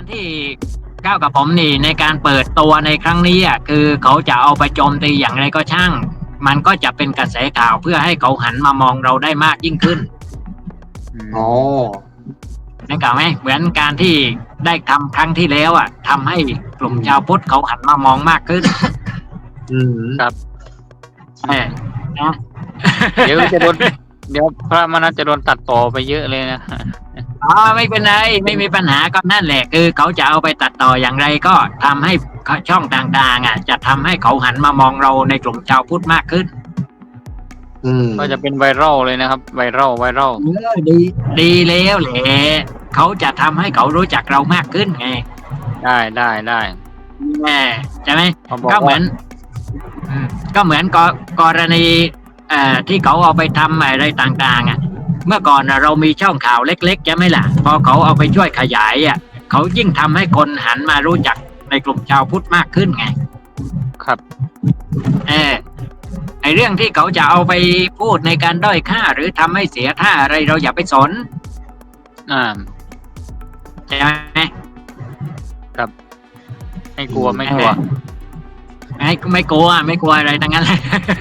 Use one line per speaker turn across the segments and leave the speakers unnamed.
ที่ก้าวกับผมนี่ในการเปิดตัวในครั้งนี้อ่ะคือเขาจะเอาไปโจมตีอย่างไรก็ช่างมันก็จะเป็นกระแสข่าวเพื่อให้เขาหันมามองเราได้มากยิ่งขึ้น
อ๋อ
นึกออกไหมเหมือนการที่ได้ทำครั้งที่แล้วอ่ะทำให้กลุ่มชาวพุทธเขาหันมามองมากขึ้น
อืม
ครับ
เออนะ
เดี๋ยวจะโดนเดี๋ยวพระมนัสจะโดนตัดต่อไปเยอะเลยนะ
อ๋อไม่เป็นไรไม่มีปัญหาก็นั่นแหละคือเขาจะเอาไปตัดต่ออย่างไรก็ทำให้ช่องต่างๆอ่ะจะทำให้เขาหันมามองเราในกลุ่มชาวพุทธมากขึ้น
อืม
ก็จะเป็นไวรัลเลยนะครับไวรัล
ดีแล้วแหละเขาจะทำให้เขารู้จักเรามากขึ้นไง
ได้
แน่ใช่ไหม
เขาบอก
ก็เหมื
ว่า
อนก็เหมือนกรณีที่เขาเอาไปทำอะไรต่างๆอ่ะเมื่อก่อนเรามีช่องข่าวเล็กๆใช่ไหมล่ะพอเขาเอาไปช่วยขยายอ่ะเขายิ่งทำให้คนหันมารู้จักในกลุ่มชาวพุทธมากขึ้นไง
ครับ
ไอเรื่องที่เขาจะเอาไปพูดในการด้อยค่าหรือทำให้เสียท่าอะไรเราอย่าไปสน ใช่ไหม
ไม่กลัวไม่กลัว
ไม่กลัวอะไรทั้งนั้นเลย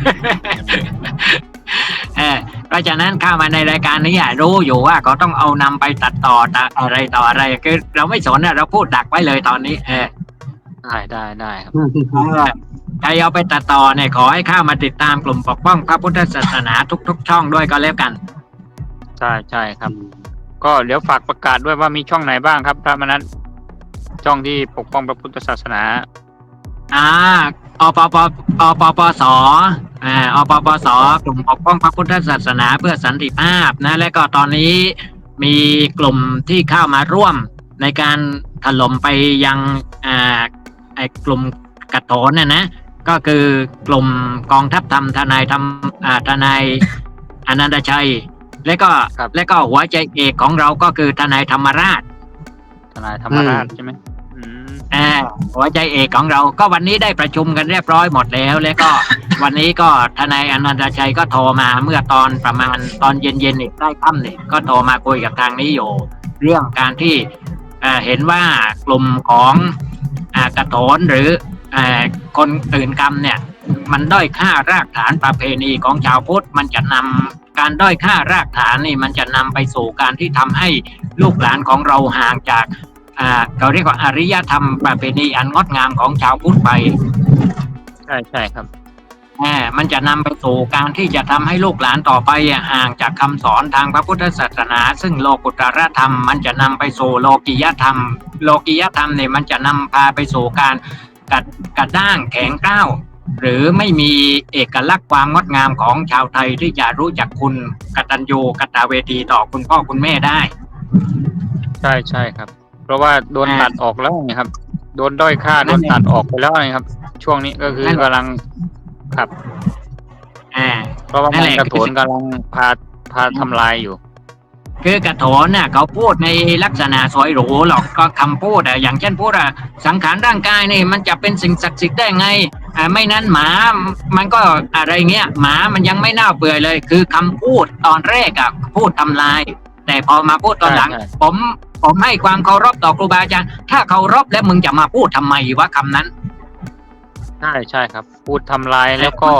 เพราะฉะนั้นเข้ามาในรายการนี้รู้อยู่ว่าเขาต้องเอานำไปตัดต่ออะไรต่ออะไรคือเราไม่สนเราพูดดักไว้เลยตอนนี้
ได้ครับ
ใครเอาไปตัดต่อเนี่ยขอให้เข้ามาติดตามกลุ่มปกป้องพระพุทธศาสนาทุกช่องด้วยก็แล้วกัน
ใช่ครับ ก็เดี๋ยวฝากประกาศด้วยว่ามีช่องไหนบ้างครับพระมนัสช่องที่ปกป้องพระพุทธศาสนา
อปปสอปปสกลุ่มปกป้องพระพุทธศาสนาเพื่อสันติภาพนะและก็ตอนนี้มีกลุ่มที่เข้ามาร่วมในการถล่มไปยังไอ้กลุ่มกระโถนนะก็คือกลุ่มกองทัพธรรมทนายทนายอนันตชัยและก็หัวใจเอกของเราก็คือทนายธรรมราช
ใช่ไหม
หัวใจเอกของเราก็วันนี้ได้ประชุมกันเรียบร้อยหมดแล้วแล้วก็ วันนี้ก็ทนายอนันตชัยก็โทรมาเมื่อตอนประมาณตอนเย็นๆอีกใกล้ค่ำเนี่ยก็โทรมาคุยกับทางนี้อยู่เรื่องการที่เห็นว่ากลุ่มของกระโถนหรือคนตื่นกรรมเนี่ยมันด้อยค่ารากฐานประเพณีของชาวพุทธมันจะนำการด้อยค่ารากฐานนี่มันจะนำไปสู่การที่ทำให้ลูกหลานของเราห่างจากเราเรียกว่าอารยธรรมประเพณีอันงดงามของชาวพุทธไป
ใช่ครับ
มันจะนำไปสู่การที่จะทำให้ลูกหลานต่อไปห่างจากคำสอนทางพระพุทธศาสนาซึ่งโลกุตรธรรมมันจะนำไปสู่โลกิยธรรมเนี่ยมันจะนำพาไปสู่การกระด้างแข็งก้าวหรือไม่มีเอกลักษณ์ความงดงามของชาวไทยที่จะรู้จักคุณกตัญญูกตเวทีต่อคุณพ่อคุณแม่ได้
ใช่ครับเพราะว่าโดนตัดออกแล้วไงครับโดนด้อยค่าโดนตัดออกไปแล้วนะครับช่วงนี้ก็คือกำลังครับเพราะว่ามันกระโถนกำลังพาทำลายอยู่
คือกระโถนน่ะเขาพูดในลักษณะสวยหรูหรอกก็คำพูดอย่างเช่นพูดสังขารร่างกายนี่มันจะเป็นสิ่งศักดิ์สิทธิ์ได้ไงไม่นั้นหมามันก็อะไรเงี้ยหมามันยังไม่น่าเบื่อเลยคือคำพูดตอนแรกพูดทำลายแต่พอมาพูดตอนหลังผมให้ความเคารพต่อครูบาอาจารย์ถ้าเคารพแล้วมึงจะมาพูดทำไมวะคำนั้น
ใช่ครับพูดทำลายแล้วก็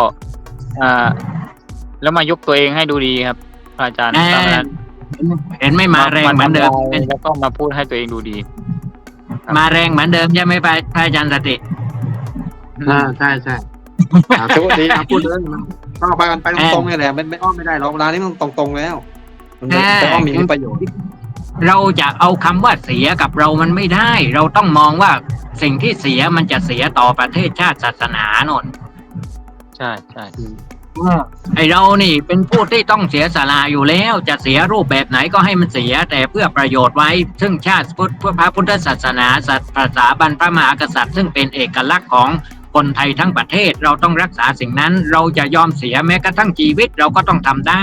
แล้วมายกตัวเองให้ดูดีครับอาจารย์
เห็นไม่มาแรงเหมือนเดิม
แล้วก็มาพูดให้ตัวเองดูดี
มาแรงเหมือนเดิมใช่ไหมพระอาจารย์สติ
ใช่ทุกทีพูดเลยต้องไปกันไปตรงๆนี่แหละไม่อ้อมไม่ได้หรอกเวลานี้มันตรงๆแล้วแต่อ้อมมีประโยชน์
เราจะเอาคำว่าเสียกับเรามันไม่ได้เราต้องมองว่าสิ่งที่เสียมันจะเสียต่อประเทศชาติศาสนาโน่น
ใช่
ไอเรานี่เป็นผู้ที่ต้องเสียสละอยู่แล้วจะเสียรูปแบบไหนก็ให้มันเสียแต่เพื่อประโยชน์ไว้ซึ่งชาติพุทธพระพุทธศาสนาสถาบันพระมหากษัตริย์ซึ่งเป็นเอกลักษณ์ของคนไทยทั้งประเทศเราต้องรักษาสิ่งนั้นเราจะยอมเสียแม้กระทั่งชีวิตเราก็ต้องทำได้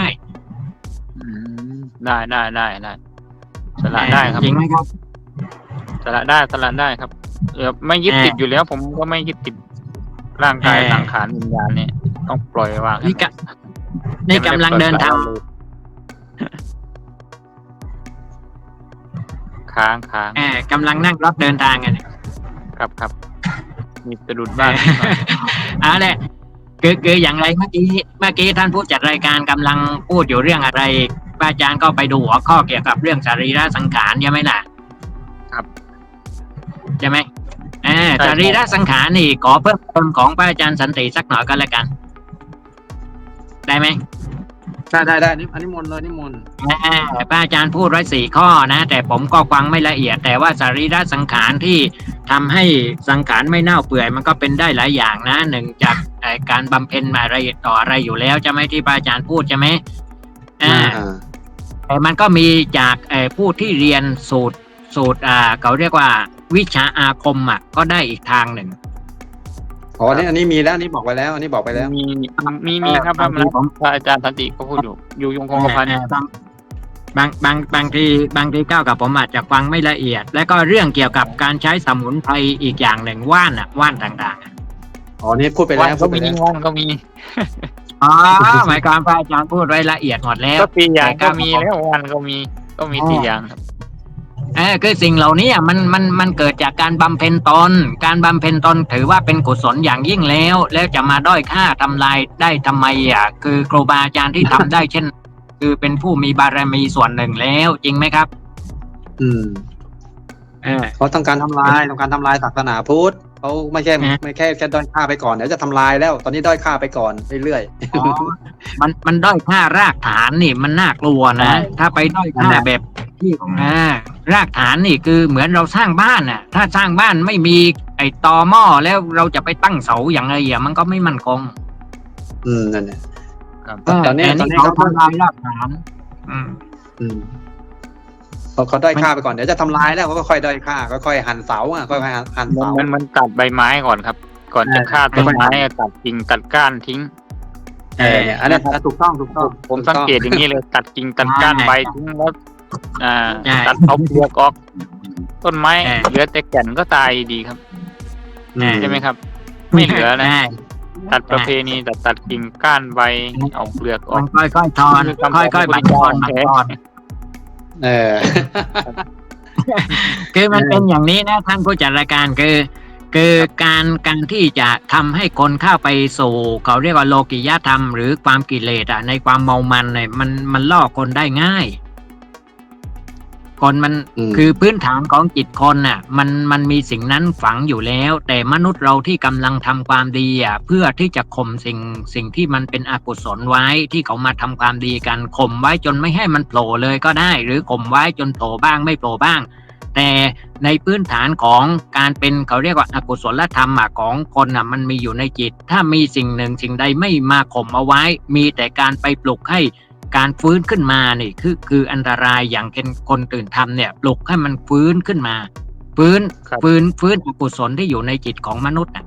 ได้สละได้ครับ
จริงไหมครับ
สละได้ครับไม่ยึดติดอยู่แล้วผมก็ไม่ยึดติดร่างกายสังขารวิญญาณเนี่ยต้องปล่อยวาง
นี่กำลังเดินทาง
ค้าง
กำลังนั่งรถเดินทางกัน
ครับมีสะดุดบ้างนิดหน่อย
เอาแหละคืออย่างไรเมื่อกี้ท่านผู้จัดรายการกำลังพูดอยู่เรื่องอะไรพระอาจารย์ก็ไปดูหัวข้อเกี่ยวกับเรื่องสรีระสังขารใช่ไหมล่ะ
ครับ
ใช่ไหม
ใช่
สรีระสังขารนี่ขอเพิ่มเติมของพระอาจารย์สันติสักหน่อยก็แล้วกัน ได้ไหม
ได้นี่อันนี้มนต์เลยนิมนต์
พระอาจารย์พูดไว้4 ข้อนะแต่ผมก็ฟังไม่ละเอียด แต่ว่าสรีระสังขารที่ทำให้สังขารไม่เน่าเปื่อยมันก็เป็นได้หลายอย่างนะหนึ่งจากการบำเพ็ญอะไรต่ออะไรอยู่แล้วใช่ไหมที่พระอาจารย์พูดใช่ไหมแต่มันก็มีจากผู้ที่เรียนสูตรเขาเรียกว่าวิชาอาคมก็ได้อีกทางหนึ่ง
อ๋ออันนี้มีแล้วอันนี้บอกไปแล้วอันนี้บอกไปแล้ว
มีครับพระอาจารย์สันติก็พูดอยู่ยงคงกระพัน
บางทีก้าวกับผมอาจจะฟังไม่ละเอียด แล้วก็เรื่องเกี่ยวกับการใช้สมุนไพรอีกอย่างหนึ่งว่านต่างๆ
อ๋อนี่พูดไปแล้ว
ก็มี
อ๋อหมายความพระอาจารย์พูดไว้ละเอียดหมดแล้ว
ก็4 อย่างก็มีแล้ววันก็มี4 อย่างครับ
คือสิ่งเหล่านี้มันเกิดจากการบำเพ็ญตนการบำเพ็ญตนถือว่าเป็นกุศลอย่างยิ่งแล้วจะมาด้อยค่าทำลายได้ทำไมคือครูบาอาจารย์ที่ทำได้เช่น คือเป็นผู้มีบารมีส่วนหนึ่งแล้วจริงไหมครับ
เขาต้องการทำลายศาสนาพุทธเขาไม่แค่ด้อยค่าไปก่อนเดี๋ยวจะทำลายแล้วตอนนี้ด้อยค่าไปก่อนเรื่อย
มันด้อยค่ารากฐานนี่มันน่ากลัวนะถ้าไปด้อยค่าแบบที่รากฐานนี่คือเหมือนเราสร้างบ้านถ้าสร้างบ้านไม่มีไอ้ตอหม้อแล้วเราจะไปตั้งเสาอย่างไรมันก็ไม่มั่นคง
นั่นแหละ
ตอนนี้เขาทำลายรากฐาน
เขาด้อยค่าไปก่อนเดี๋ยวจะทำลายแล้วเขาก็ค่อยด้อยค่าก็ค่อยหั่นเสาค่อยหั่นเสา
มันตัดใบไม้ก่อนครับ ก่อนจะฆ่าต้นไม้ตัดกิ่งตัดก้านทิ้ง
อันนี้ถูกต้อง
ผมสังเกตอย่างนี้เลยตัดกิ่งตัดก้านใบทิ้งแล้วตัดเอาเปลือกออกต้นไม้เหลือแต่แก่นก็ตายดีครับใช่ไหมครับไม่เหลือนะตัดประเพณีตัดกิ่งก้านใบเอาเปลือกออก
ค่อยๆทอนค่อยๆบัดทอนคือมันเป็นอย่างนี้นะท่านผู้จัดรายการคือการที่จะทำให้คนเข้าไปสู่เขาเรียกว่าโลกิยธรรมหรือความกิเลสในความเมามันเนี่ยมันล่อคนได้ง่ายคนมันคือพื้นฐานของจิตคนมันมีสิ่งนั้นฝังอยู่แล้วแต่มนุษย์เราที่กำลังทำความดีเพื่อที่จะข่มสิ่งที่มันเป็นอกุศลไว้ที่เขามาทำความดีกันข่มไว้จนไม่ให้มันโผล่เลยก็ได้หรือข่มไว้จนโผล่บ้างไม่โผล่บ้างแต่ในพื้นฐานของการเป็นเขาเรียกว่าอกุศลธรรมของคนมันมีอยู่ในจิตถ้ามีสิ่งหนึ่งสิ่งใดไม่มาข่มเอาไว้มีแต่การไปปลุกให้การฟื้นขึ้นมานี่คืออันตรายอย่างคนตื่นทำเนี่ยปลุกให้มันฟื้นขึ้นมาฟื้นอกุศลที่อยู่ในจิตของมนุษย์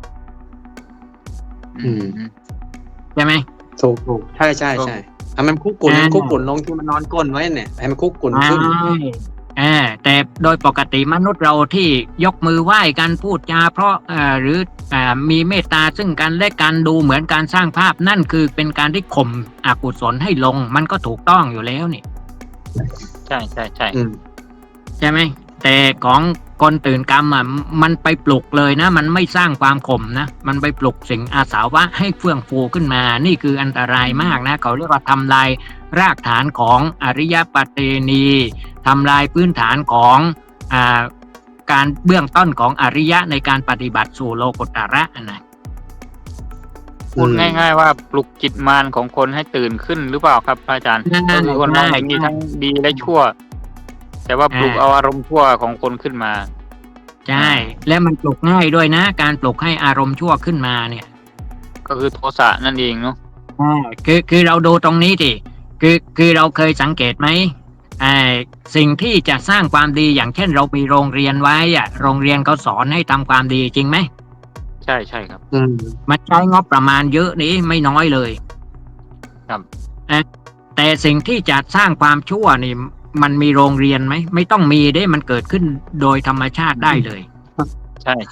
ใช่ไหม
ถูกใช่ให้มันคุกกุ่นลงที่มันนอนก้นไว้เนี่ยให้มันคุกกุ่นขึ้น
แต่โดยปกติมนุษย์เราที่ยกมือไหว้กันพูดจาเพราะหรือมีเมตตาซึ่งกันและกันดูเหมือนการสร้างภาพนั่นคือเป็นการที่ข่มอกุศลให้ลงมันก็ถูกต้องอยู่แล้วนี่
ใช่
ใช่ไหมแต่ของคนตื่นกรรมมันไปปลุกเลยนะมันไม่สร้างความข่มนะมันไปปลุกสิ่งอาสาวะให้เฟื่องฟูขึ้นมานี่คืออันตรายมากนะเขาเรียกว่าทำลายรากฐานของอริยปฏิณีทำลายพื้นฐานของการเบื้องต้นของอริยะในการปฏิบัติสู่โลกุตระนะ
พูดง่ายๆว่าปลุกจิตมารของคนให้ตื่นขึ้นหรือเปล่าครับอาจารย์คนเรามีทั้งดีและชั่วแต่ว่าปลุกเอาอารมณ์ชั่วของคนขึ้นมา
ใช่แล้วมันปลุกง่ายด้วยนะการปลุกให้อารมณ์ชั่วขึ้นมาเนี่ย
ก็คือโทสะนั่นเองเนาะ
คือเราดูตรงนี้ดิคือเราเคยสังเกตไหมสิ่งที่จะสร้างความดีอย่างเช่นเรามีโรงเรียนไว้โรงเรียนเขาสอนให้ทำความดีจริงไหม
ใช่ครับ
มันใช้งบประมาณเยอะนี้ไม่น้อยเลย
ครับ
แต่สิ่งที่จะสร้างความชั่วนี่มันมีโรงเรียนไหมไม่ต้องมีได้มันเกิดขึ้นโดยธรรมชาติได้เลย
ใช่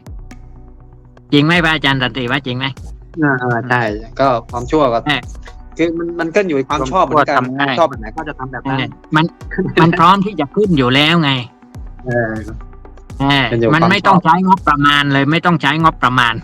จริงไหมพระอาจารย์สันติว่าจริงไหม
ใช่ก็ความชั่วก็คือมันขึ้นอยู่กับความชอบเหมือนกัน
ทำง่าย
ชอบแบบไหนก็จะทำแบบนั้น
มันพร้อมที่จะขึ้นอยู่แล้วไง
เออ
เออ
เป็นอยู่
มัน
ความ
ไม่ต้อง
ชอบ
ใช้งบประมาณเลย ไม่ต้องใช้งบประมาณ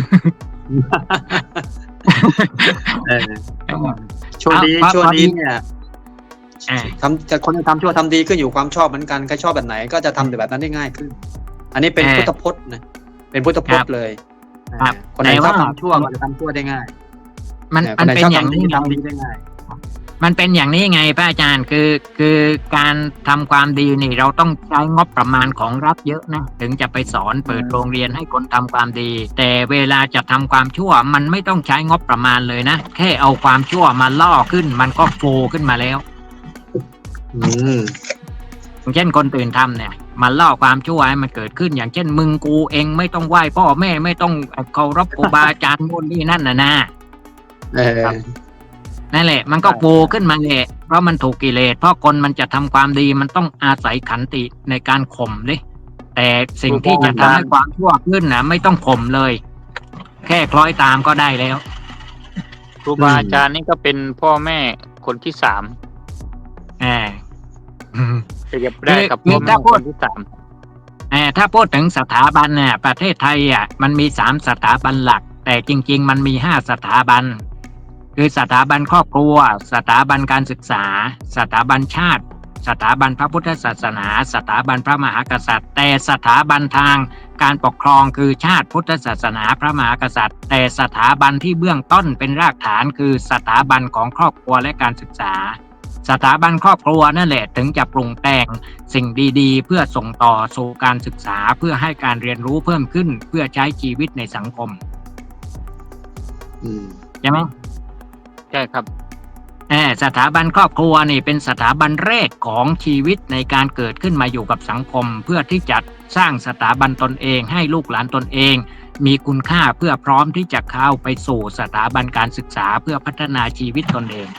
เออช่วงนี้
เพราะ
ช่วง
เพราะ
นี้เนี่ย
อ่า
คนจะทำชั่วทำดีขึ้นอยู่ความชอบเหมือนกันใครชอบแบบไหนก็จะทำแบบนั้นได้ง่ายขึ้น อันนี้เป็นพุทธพจน์นะเป็นพุทธพจน์เลย
ครับ
คนไหน
แต่
ชอบ
ว่า
ทำชั่วก็จะทำชั่วได้ง่าย
มัน
ค ไหน
มันนเป็น
ชอบ
อย่าง
ทำดี
นี้ไง
ทำดีได้ง่าย
มันเป็นอย่างนี้ไงพระอาจารย์คือการทำความดีนี่เราต้องใช้งบประมาณของรัฐเยอะนะถึงจะไปสอนเปิดโรงเรียนให้คนทำความดี แต่เวลาจะทำความชั่วมันไม่ต้องใช้งบประมาณเลยนะแค่เอาความชั่วมาล่อขึ้น มันก็โฟขึ้นมาแล้ว
อืม
อย่างเช่นคนตื่นทำเนี่ยมันล่อความชั่วให้มันเกิดขึ้น อย่างเช่นมึงกูเองไม่ต้องไหว้พ่อแม่ไม่ต้องเคารพครูบาอาจารย์โน่นนี่นั่นนะ
เออ
นั่นแหละมันก็โฟขึ้นมาแหละเพราะมันถูกกิเลสเพราะคนมันจะทำความดีมันต้องอาศัยขันติในการข่มดิแต่สิ่งที่จะทำให้ความชั่วขึ้นนะไม่ต้องข่มเลย แค่คล้อยตามก็ได้แล้ว
ครูบาอาจารย์นี่ก็เป็นพ่อแม่คนที่สาม
อ่า
เปรียบได้กับ
คือ
พ่อแม่
ถ้าพู
ค
ด
นที่สาม
ถ้าพูดถึงสถาบันเนี่ยประเทศไทยมันมี3 สถาบันหลัก แต่จริง ๆ มันมี5 สถาบัน คือสถาบันครอบครัว สถาบันการศึกษา สถาบันชาติ สถาบันพระพุทธศาสนา สถาบันพระมหากษัตริย์ แต่สถาบันทางการปกครองคือชาติพุทธศาสนาพระมหากษัตริย์ แต่สถาบันที่เบื้องต้นเป็นรากฐานคือสถาบันของครอบครัวและการศึกษา สถาบันครอบครัวนั่นแหละถึงจะปรุงแต่งสิ่งดีๆ เพื่อส่งต่อสู่การศึกษาเพื่อให้การเรียนรู้เพิ่มขึ้นเพื่อใช้ชีวิตในสังคม
อืม
ใช่ไหม
ใช่ครับ
สถาบันครอบครัวนี่เป็นสถาบันแรกของชีวิตในการเกิดขึ้นมาอยู่กับสังคม เพื่อที่จะสร้างสถาบันตนเองให้ลูกหลานตนเอง มีคุณค่าเพื่อพร้อมที่จะเข้าไปสู่สถาบันการศึกษาเพื่อพัฒนาชีวิตตนเอง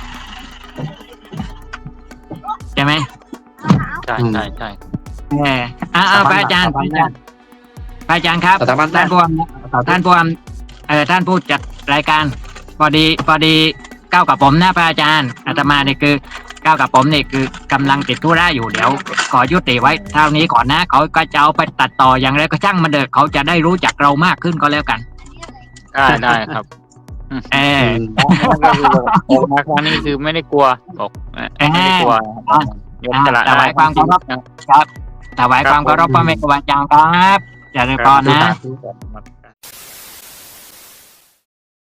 ใช่ไหม
ใช่ใช่ใช่
พระอาจารย์พระอาจารย์ครับ
สถาบัน
ท่านผู้จัดรายการพอดีก้าวกับผมนะพระอาจารย์อาตมาเนี่ยคือก้าวกับผมเนี่ยคือกำลังติดธุระอยู่เดี๋ยวขอยุติไว้เท่านี้ก่อนนะเขาก็จะเอาไปตัดต่ออย่างไรก็ช่างมันเถอะเขาจะได้รู้จักเรามากขึ้นก็แล้วกัน
ได้ครับ
เออ
ก็คือออกมาครั้งนี้คือไม่ได้กลัวบอกไม่ได้กลัวยกสละ
ถวายความเคารพ ครับถวายความเคารพพระแม่ครูบาอาจารย์ครับเจริญพรนะ
ครับ